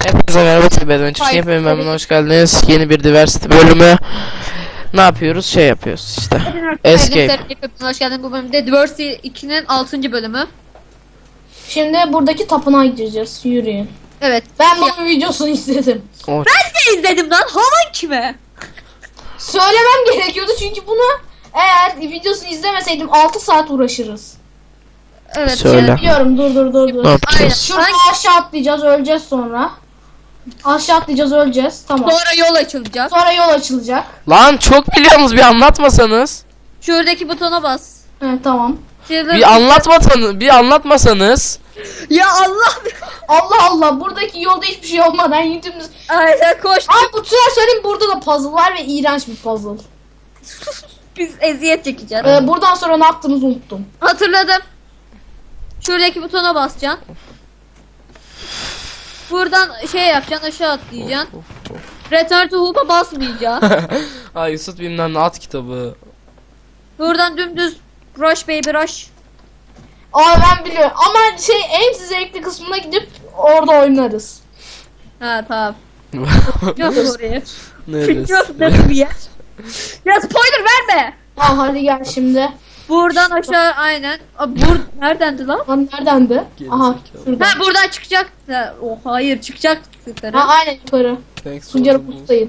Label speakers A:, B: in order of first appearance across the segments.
A: Hepinize merhaba TB'den hepiniz memnun hoş geldiniz. Yeni bir Diversity bölümü. Ne yapıyoruz? Şey yapıyoruz işte. Escape.
B: Hoş geldin bu bölümde Diversity 2'nin 6. bölümü.
C: Şimdi buradaki tapınağa gideceğiz. Yürüyün.
B: Evet.
C: Ben bunun videosunu izledim.
A: Oh.
B: Ben de izledim lan. Havan kime?
C: Söylemem gerekiyordu çünkü bunu eğer videosunu izlemeseydim 6 saat uğraşırız.
B: Evet.
A: Söyle.
B: Yani.
C: Biliyorum dur.
A: Ne yapacağız?
C: Şuradan aşağı atlayacağız, öleceğiz sonra. Aşağı atlayacağız, öleceğiz. Tamam.
B: Sonra yol açılacak.
C: Sonra yol açılacak.
A: Lan çok biliyorsunuz, bir anlatmasanız.
B: Şuradaki butona bas.
C: Evet tamam.
A: Bir anlatmasanız.
B: Ya Allah.
C: Allah Allah, buradaki yolda hiçbir şey olmadan yüzümüz...
B: Aynen koş.
C: Abi bu sefer söyleyeyim, burada da puzzle var ve iğrenç bir puzzle.
B: Biz eziyet çekeceğiz.
C: Buradan sonra ne yaptığımızı unuttum.
B: Hatırladım. Şuradaki butona basacaksın. Buradan şey yapacaksın, aşağı atlayacaksın. Return to home'a basmayacaksın.
A: Ay Yusuf bilmem ne, at kitabı.
B: Buradan dümdüz rush baby rush.
C: Aa ben biliyorum ama en zevkli kısmına gidip orada oynarız.
B: Ha tamam. Yok oraya.
A: Neresi?
B: Yok nasıl bir yer? Ya spoiler verme.
C: Ha hadi gel şimdi.
B: Buradan aşağı aynen. Neredendi lan?
C: Lan neredendi? Aha şurada.
B: Ha buradan çıkacak. Ha, oh hayır çıkacak yukarı.
C: Ha aynen yukarı. Suncar'ı pustayım.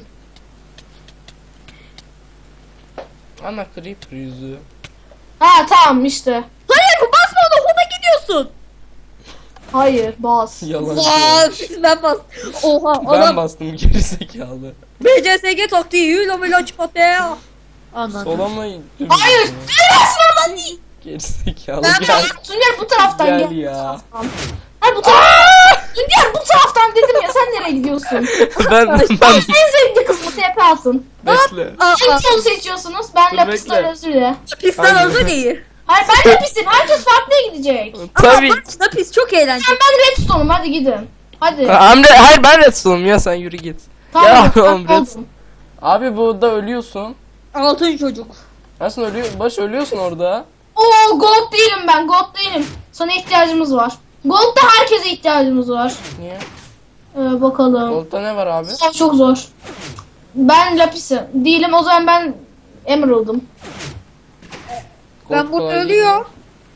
A: Ana creeper yüzü.
C: Ha tamam işte.
B: Hayır bu basma ona home'a gidiyorsun.
C: Hayır bas.
A: Yalan.
B: Aa, ben bas. Oha
A: Ben
B: adam
A: bastım, gerizekalı.
B: BCSG taktiği yuyla mıyla çıkatıyor. Anladım.
A: Sola mı?
C: Hayır. Neresi oradan değil.
A: Gerizekalı
B: Ben
A: gel.
C: Suncar bu taraftan
A: Gel
C: gel.
A: ya.
C: Hayır bu taraftan. Suncar bu taraftan dedim ya, sen nereye gidiyorsun?
A: ben
C: En zevkli kısmı TP atın.
A: bekle.
C: Hangi yolu seçiyorsunuz? Ben
A: Dur,
C: Lapis'ten
A: bekle.
C: özür dilerim.
B: Pistten
A: Hangi-
B: hazır değil.
C: Hayır ben Lapis'im. Herkes farklıya gidecek.
A: Tabii.
B: Ama pis çok eğlenceli.
C: Ben Redstone'um, hadi gidin. Hadi.
A: Hayır ben Redstone'um ya, sen yürü git.
C: Tamam.
A: ya
C: ben
A: oğlum,
C: oldum.
A: Abi burada ölüyorsun.
B: Altın çocuk.
A: Aslında ölüyorsun orada.
C: Oo gold değilim ben, gold değilim. Sana ihtiyacımız var. Gold'da herkese ihtiyacımız var.
A: Niye?
C: Bakalım.
A: Gold'da ne var abi?
C: Çok zor. Ben Lapis'im. Değilim, o zaman ben Emerald'ım.
A: Gold
B: Ben burada
A: kolay
B: ölüyor.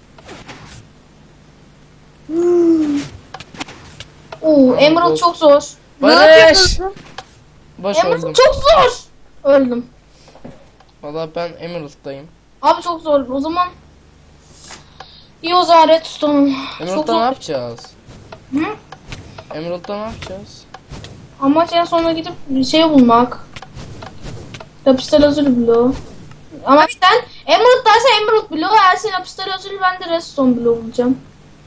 C: Oo Emerald
A: Gold.
C: çok zor.
B: Ne
A: Barış!
B: yapıyorsun?
A: Baş
C: Emerald
A: öldüm.
C: çok zor. Öldüm.
A: Valla ben Emerald'dayım.
C: Abi çok zor. O zaman iyi, o zaman Redstone'um. Çok
A: Emerald'da ne
C: zor.
A: yapacağız?
C: Hı?
A: Emerald'da ne yapacağız?
C: Amaç en sona gidip bir şey bulmak. Lapis'te lazuli bloğu. Ama sen Emerald dersen Emerald bloğu, eğer sen Lapis'te lazuli, ben de Redstone bloğu bulacağım.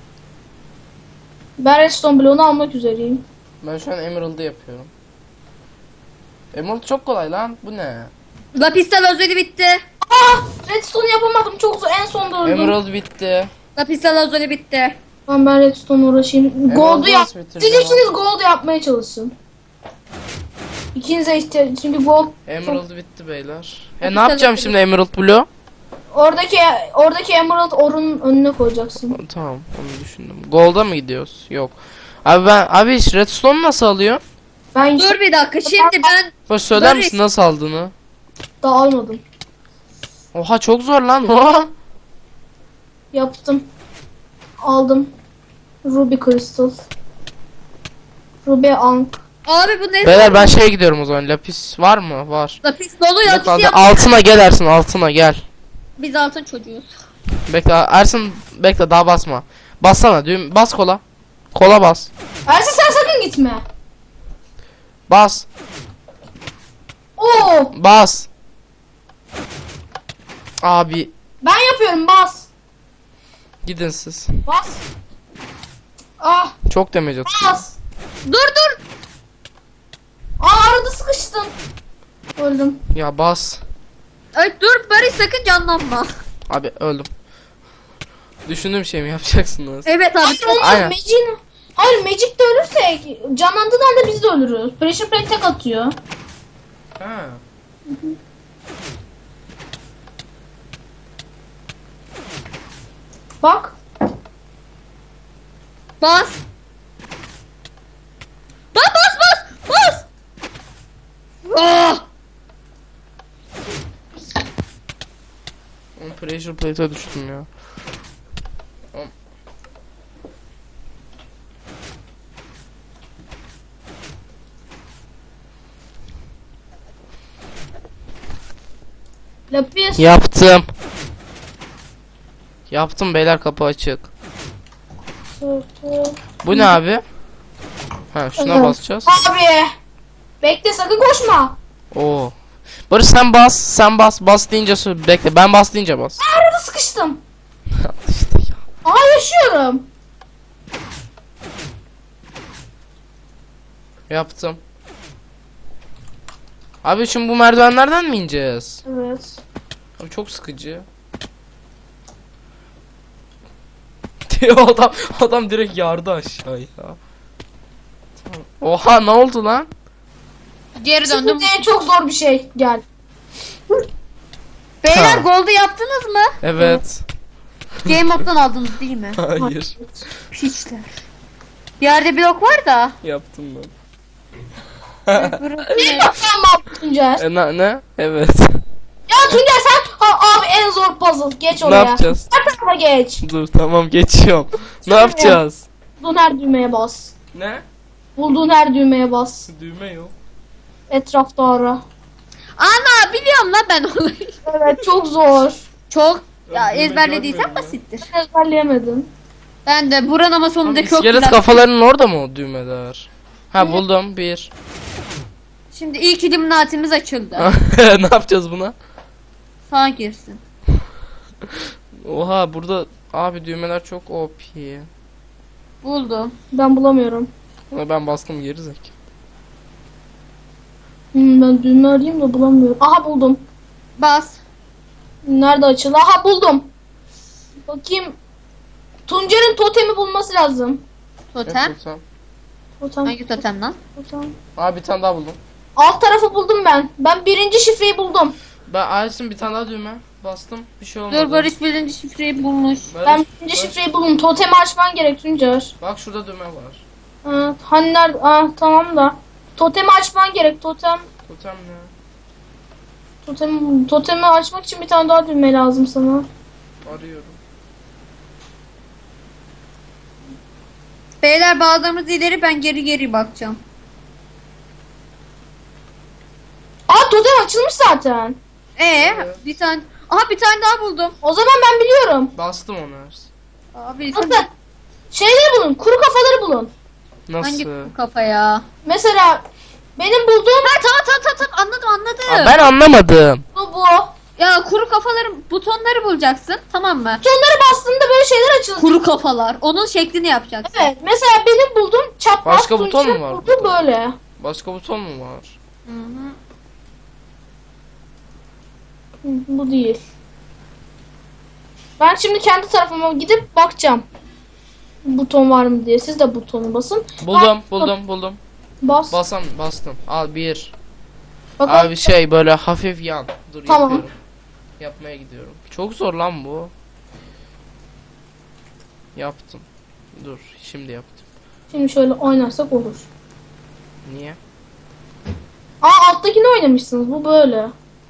C: Ben Redstone bloğunu almak üzereyim.
A: Ben şu an Emerald'ı yapıyorum. Emerald çok kolay lan. Bu ne?
B: Lapistel özeli bitti.
C: Redstone yapamadım, çok zor. En sonda öldüm.
A: Emerald bitti.
B: Lapistel özeli bitti.
C: Tamam ben Redstone uğraşayım. Gold'u yap.
A: nasıl bitireceğim
C: Siz ikiniz gold yapmaya çalışın. İkinize ihtiyaç, çünkü gold
A: Emerald bitti beyler. Ne
B: Hadi
A: yapacağım
B: sen
A: şimdi Emerald Blue?
C: oradaki Emerald orunun önüne koyacaksın.
A: Tamam, onu düşündüm. Gold'a mı gidiyoruz? Yok. Abi hiç Redstone nasıl alıyor?
C: Ben
B: Dur bir dakika şimdi ben
A: Baş söyler
B: Barış.
A: misin nasıl aldığını?
C: daha almadım.
A: Oha çok zor lan. Oha.
C: Yaptım. Aldım. Ruby Crystal. Ruby Ankh.
B: abi bu ne?
A: Beyler ben şeye gidiyorum o zaman. Lapis var mı? Var.
B: Lapis dolu
A: Ne
B: lapis
A: kaldı?
B: yap.
A: Altına gel Ersin, altına gel.
B: Biz altın çocuğuz.
A: Bekle Ersin, bekle daha basma. Bassana düğüm, bas kola. Kola bas.
C: Ersin sen sakın gitme.
A: Bas.
C: Oo,
A: Bas. Abi
C: ben yapıyorum, bas.
A: gidin siz.
C: Bas. Ah,
A: Çok damage atıyor.
C: bas.
B: Dur.
C: Arada sıkıştım. Öldüm.
A: Ya bas.
B: Ay, dur Barış sakın canlanma.
A: Abi öldüm. Düşündüğüm şey mi yapacaksınız?
B: Evet abi.
C: Hayır olmaz,
A: Aynen.
C: Hayır Magic'te ölürsek canlandığında da biz de ölürüz. Pressure plate tek atıyor.
A: Ha.
C: Bak.
B: Bas. Bas.
A: pressure plate'e düştüm ya.
C: Lapis.
A: Yaptım. Yaptım beyler, kapı açık. Bu ne abi? Ha, şuna
C: Evet.
A: basacağız.
C: Abi. Bekle, sakın koşma.
A: Oo. Barış sen bas, bas deyince bekle, ben bas deyince bas.
C: Arada sıkıştım.
A: İşte ya.
C: Aa, yaşıyorum.
A: Yaptım. Abi şimdi bu merdivenlerden mi ineceğiz?
C: Evet.
A: Abi çok sıkıcı. adam direkt yardı aşağıya. Tamam. Oha, ne oldu lan?
B: Geri döndüm.
C: Şimdi çok zor bir şey. Gel.
B: Beyler,
A: Ha.
B: gold'u yaptınız mı?
A: Evet.
B: Game moddan aldınız değil mi?
A: Hayır.
B: Piçler. Bir yerde blok var da.
A: Yaptım ben.
C: Bir bakalım Tuncer.
A: Ne? Evet.
C: Ya Tuncer sen abi en zor puzzle. Geç
A: Ne
C: oraya.
A: yapacağız?
C: Her tarafa geç.
A: Dur tamam, geçiyorum. Ne yapacağız?
C: Bulduğun her düğmeye bas.
A: Ne?
C: Bulduğun her düğmeye bas.
A: Düğme yok.
C: Etrafta ara.
B: Ana, biliyorum lan ben onu.
C: Evet, çok zor.
B: Çok ya,
A: Ben düğme
B: ezberlediysen
A: görmüyorum
B: basittir.
C: Ben ezberleyemedim.
B: Ben de buranın ama sonunda çok
A: İskelet
B: güzel.
A: kafalarının orada mı o düğmeler? Ha, buldum bir.
B: Şimdi ilk illuminatimiz açıldı.
A: Ne yapacağız buna?
B: Sağa girsin.
A: Oha, burada abi düğmeler çok OP.
B: Buldum.
C: Ben bulamıyorum.
A: Ama ben bastım, gerizek.
C: Ben düğme arayayım da bulamıyorum. Aha, buldum.
B: Bas.
C: Nerede açıldı? Aha, buldum. Bakayım. Tuncer'in totemi bulması lazım.
B: Totem.
C: Totem.
B: Hangi totem lan?
C: Totem.
A: Abi bir tane daha buldum.
C: Alt tarafı buldum ben. Ben birinci şifreyi buldum.
A: Ben Aysun bir tane daha düğme bastım. Bir şey olmadı.
B: Dur, Barış birinci şifreyi bulmuş.
A: Barış,
C: Ben birinci şifreyi buldum. Totemi açman gerek Tuncer.
A: bak şurada düğme var.
C: Hani nerede? Tamam da. Totemi açman gerek.
A: Totem ne?
C: Totemi açmak için bir tane daha düğme lazım sana.
A: Arıyorum.
B: Beyler, bağladığımız ileri, ben geri bakacağım.
C: Totem açılmış zaten.
A: Evet.
B: Bir tane. Aha, bir tane daha buldum.
C: O zaman ben biliyorum.
A: Bastım onu.
B: Abi
C: Nasıl? Şeyleri bulun. Kuru kafaları bulun.
B: hangi
A: Nasıl?
B: kafa ya?
C: Mesela benim bulduğum
B: Ha, tamam anladım.
A: Aa, ben anlamadım.
C: bu.
B: Ya, kuru kafaların butonları bulacaksın, tamam mı?
C: Butonlara bastığında böyle şeyler açılır.
B: Kuru kafalar. Onun şeklini yapacaksın.
C: Evet. Mesela benim bulduğum çapraz.
A: Başka buton
C: Tunç'un
A: mu var
C: bulduğu
A: burada?
C: böyle.
A: Başka buton mu var?
B: Hı-hı.
C: Bu değil. Ben şimdi kendi tarafıma gidip bakacağım. Buton var mı diye. Siz de butonu basın.
A: Buldum.
C: Bas.
A: Bastım. Al bir.
C: Bakalım.
A: Abi şey böyle hafif yan. Dur,
C: Tamam.
A: yapıyorum. Yapmaya gidiyorum. Çok zor lan bu. Yaptım. Dur, şimdi yaptım.
C: Şimdi şöyle oynarsak olur.
A: Niye?
C: Alttakini oynamışsınız. Bu böyle.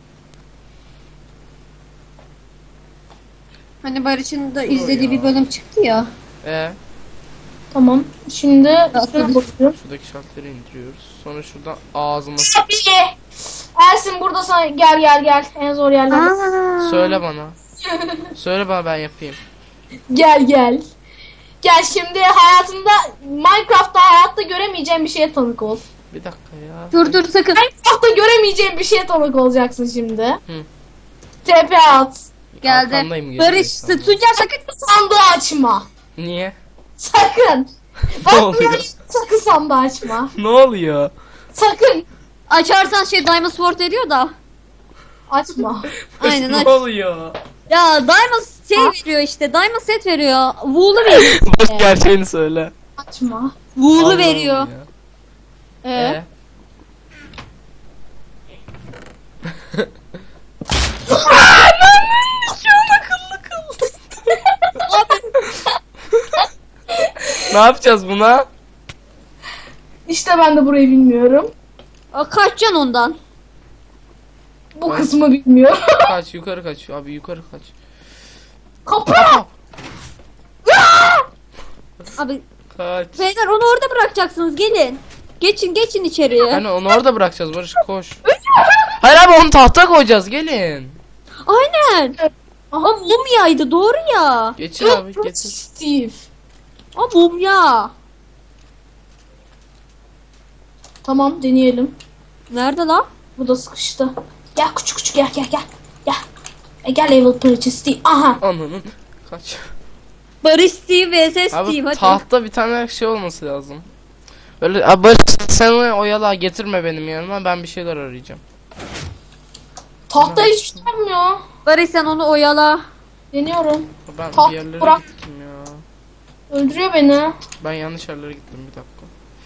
B: Hani Barış'ın da izlediği bir bölüm çıktı ya.
C: Tamam. Şimdi şuna basıyorum.
A: Şuradaki şartları indiriyoruz. Sonra şuradan ağzıma
C: Tabii. Ersin burada sana gel. En zor yerler.
A: söyle bana. Söyle bana, ben yapayım.
C: Gel. Gel şimdi Minecraft'ta hayatta göremeyeceğin bir şeye tanık ol.
A: Bir dakika ya.
B: Dur sakın.
C: Minecraft'ta göremeyeceğin bir şeye tanık olacaksın şimdi.
A: Hı.
C: TP at.
B: Geldi.
A: Arkandayım,
B: Barış,
A: gerizekalı.
B: Tuncer sakın.
C: Sandığı açma.
A: Niye?
C: Sakın.
A: Ne oluyor?
C: Sakın sandığı açma.
A: Ne oluyor?
C: Sakın.
B: Açarsan Diamond Sword ediyor da.
C: Açma.
B: Aynen,
A: Ne
B: aç.
A: oluyor?
B: Ya Diamond veriyor işte. Diamond set veriyor. Wool'u veriyor.
A: Boş gerçeğini söyle.
C: Açma.
B: Wool'u
A: Allah'ım
B: veriyor.
A: ya.
B: Ee?
A: Ne yapacağız buna?
C: İşte ben de burayı bilmiyorum.
B: Kaçacaksın ondan.
C: Bu kısmı bilmiyorum.
A: Kaç, yukarı kaç. Abi yukarı kaç.
C: Kapı.
B: Abi
A: Kaç.
B: beyler onu orada bırakacaksınız, gelin. Geçin içeriye.
A: Hani onu orada bırakacağız Barış, koş. Hayır abi, onu tahta koyacağız, gelin.
B: Aynen. Aa, mumyaydı doğru ya.
A: Geçin abi, geçin.
C: Steve.
B: Aa, mumya.
C: Tamam deneyelim.
B: Nerede lan?
C: Bu da sıkıştı. Gel küçük gel. Gel. Gel level purchase Steve. Aha.
A: Ananın. Kaç.
B: Barış Steve vs
A: Abi
B: Steve hadi.
A: tahta bir tane şey olması lazım. Öyle abi Barış, sen onu oyala, getirme benim yanıma, ben bir şeyler arayacağım.
C: Tahta hiçbir şey yapmıyor.
B: Barış sen onu oyala.
C: Deniyorum.
A: Ben
C: Taht
A: bir yerlere
C: bırak.
A: gittim ya.
C: Öldürüyor beni.
A: Ben yanlış yerlere gittim, bir dakika.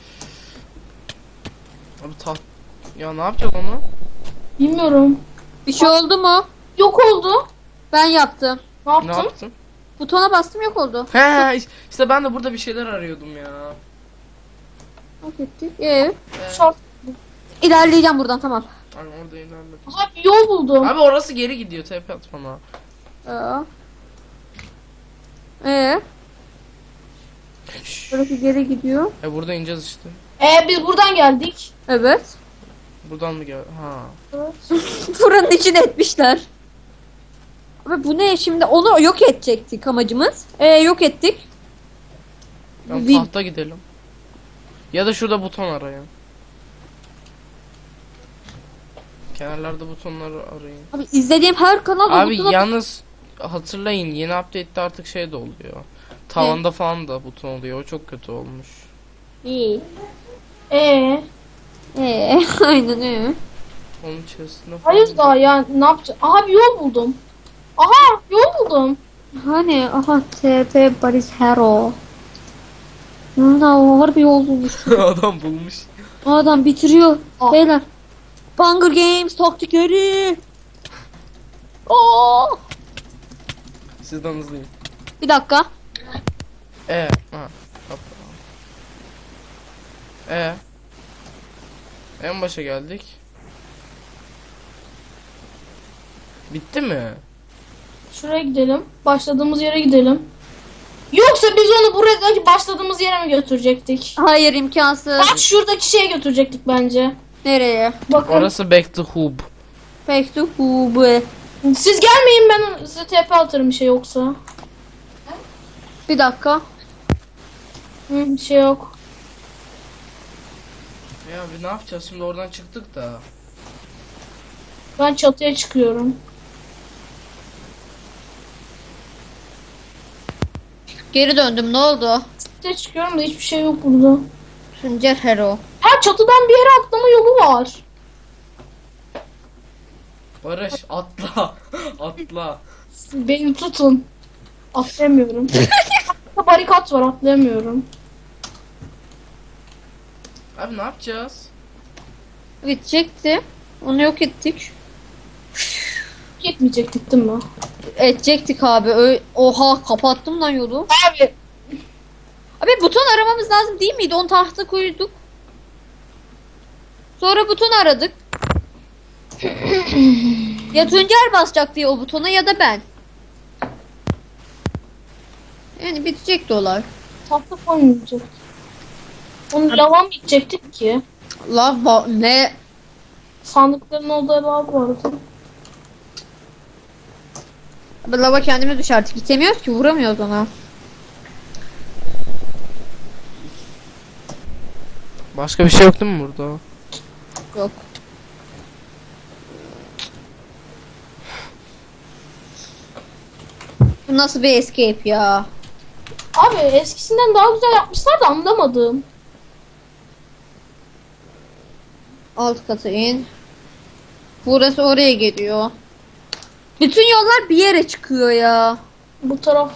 A: Abi taht... Ya ne yapacağız onu?
C: Bilmiyorum.
B: Bir şey oldu mu?
C: Yok oldu.
B: Ben yaptım.
C: Ne
A: Ne
C: yaptın?
A: yaptın?
B: Butona bastım, yok oldu.
A: He işte ben de burada bir şeyler arıyordum ya.
B: Hak ettik.
C: Şart.
B: İlerleyeceğim buradan, tamam.
A: Hani orada ilerledim.
C: Aha bir yol buldum.
A: Abi orası geri gidiyor, tepe at bana.
B: Burası geri gidiyor.
A: Burada ineceğiz işte.
C: Biz buradan geldik.
B: Evet.
A: Buradan mı gel? Ha.
B: Buranın içine etmişler. Abi bu ne şimdi? Onu yok edecektik amacımız. Yok ettik.
A: Ben
B: Bir-
A: tahta gidelim. Ya da şurada buton arayın. Kenarlarda butonları arayın.
B: Abi izlediğim her kanal
A: Abi
B: butona-
A: yalnız hatırlayın, yeni update'te artık şey de oluyor. Tavanda falan da buton oluyor. O çok kötü olmuş.
B: İyi.
C: Ee,
B: Aynen öyle.
A: Onun içerisinde falan.
C: hayır daha ya ne yapacağız? Aha bir yol buldum. Aha yol buldum.
B: Hani aha TP Paris Hero. Burada ağır bir yol bulmuş.
A: Adam bulmuş.
B: O adam bitiriyor.
C: Ah.
B: Beyler. Hunger Games taktikleri. Oo.
A: Sizden hızlıyım.
B: Bir dakika.
A: Ha. Kapı. En başa geldik. Bitti mi?
C: Şuraya gidelim. Başladığımız yere gidelim. Yoksa biz onu buradaki başladığımız yere mi götürecektik?
B: Hayır, imkansız.
C: Bak şuradaki şeye götürecektik bence.
B: Nereye?
C: Bakın.
A: Orası Back to Hub.
B: Back to Hube.
C: Siz gelmeyin, ben size TP atarım bir şey yoksa.
B: Bir dakika.
C: Bir şey yok.
A: Ya abi ne yapacağız şimdi, oradan çıktık da.
C: Ben çatıya çıkıyorum.
B: Geri döndüm, ne oldu?
C: Çatıya çıkıyorum da hiçbir şey yok burada.
B: Suncer Hero.
C: Ha, çatıdan bir yere atlama yolu var.
A: Barış atla. Atla.
C: Beni tutun. Atlayamıyorum. Barikat var, atlayamıyorum.
A: Abi ne yapacağız?
B: Bitecekti. Onu yok ettik.
C: Gitmeyecektik değil mi?
B: Edecektik abi. Oha, kapattım lan yolu.
C: Abi.
B: Abi buton aramamız lazım değil miydi? Onu tahta koyduk. Sonra buton aradık. Ya Tuncer basacak diye o butona ya da ben. Yani bitecekti olay.
C: Tahta koymayacak. Onu lava mı gidecektik ki?
B: Ne?
C: Sandıkların olduğu lav vardı.
B: Abi lava kendimiz düşerdik. Gitemiyoruz ki, vuramıyoruz ona.
A: Başka bir şey yok değil mi burada?
B: Yok. Bu nasıl bir escape ya?
C: Abi eskisinden daha güzel yapmışlar da anlamadım.
B: Alt kata in. Burası oraya geliyor. Bütün yollar bir yere çıkıyor ya.
C: Bu taraf.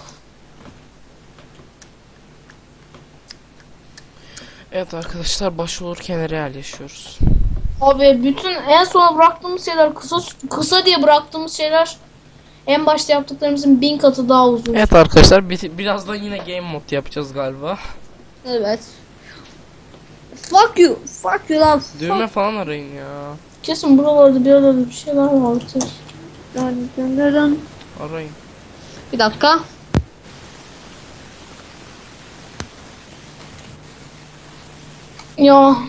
A: Evet arkadaşlar, başvurur kenara yerleşiyoruz.
C: Abi bütün en sona bıraktığımız şeyler kısa diye bıraktığımız şeyler en başta yaptıklarımızın 1000 katı daha uzun.
A: Evet arkadaşlar, birazdan yine game mod yapacağız galiba.
B: Evet. Fuck you. Fuck you lan.
A: Düğme falan arayın ya.
C: Kesin buralarda bir arada bir şeyler vardır.
B: Dön.
A: Arayın.
B: Bir dakika.
C: Ya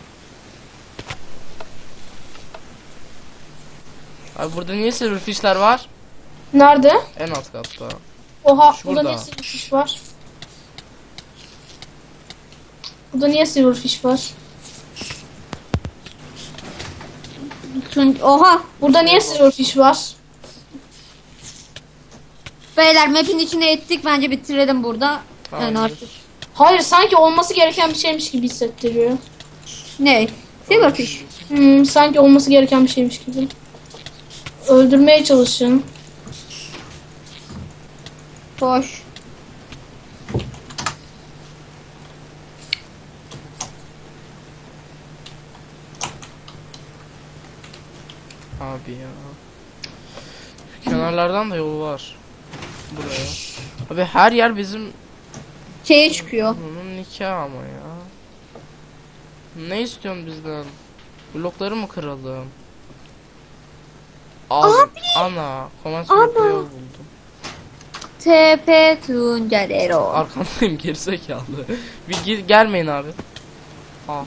A: Abi burada niye silverfish'ler var?
C: nerede?
A: En alt katta.
C: Oha
A: Şurada.
C: burada niye silverfish var? Burada niye silverfish var?
B: Oha.
C: Burada niye silverfish var?
B: Beyler map'in içine ettik. Bence bitirelim burada. Yani
A: Tamamdır.
B: artık.
C: Hayır sanki olması gereken bir şeymiş gibi hissettiriyor.
B: Ne? Silverfish.
C: Sanki olması gereken bir şeymiş gibi. Öldürmeye çalışın.
B: Hoş.
A: Abi ya. Şu kenarlardan da yol var. Buraya. Abi her yer bizim
B: Şeye çıkıyor.
A: bunun nikahı ama ya. Ne istiyorsun bizden? Blokları mı kıralım? Abi. Ana. Komans
B: Ana.
A: bloklu yol buldum.
B: TP Tuncelero.
A: Arkandayım gerizekalı. Bir gelmeyin abi. Ah.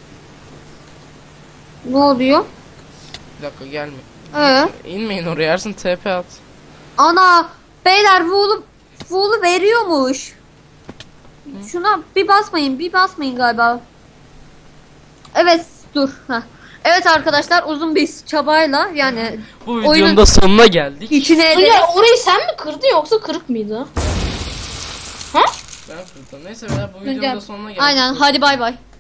B: Ne oluyor?
A: Bir dakika gelmeyin. İnmeyin oraya Ersin TP at.
B: Ana. Beyler Wool'u veriyormuş. Şuna bir basmayın galiba. Evet dur. Heh. Evet arkadaşlar uzun bir çabayla yani
A: Bu videonun
B: oyunun
A: da sonuna geldik.
B: içine
C: Tuncer
B: ederek
C: orayı sen mi kırdın yoksa kırık mıydı?
A: Ben kırdım. Neyse beyler bu videonun da sonuna geldik.
B: aynen hadi bay bay.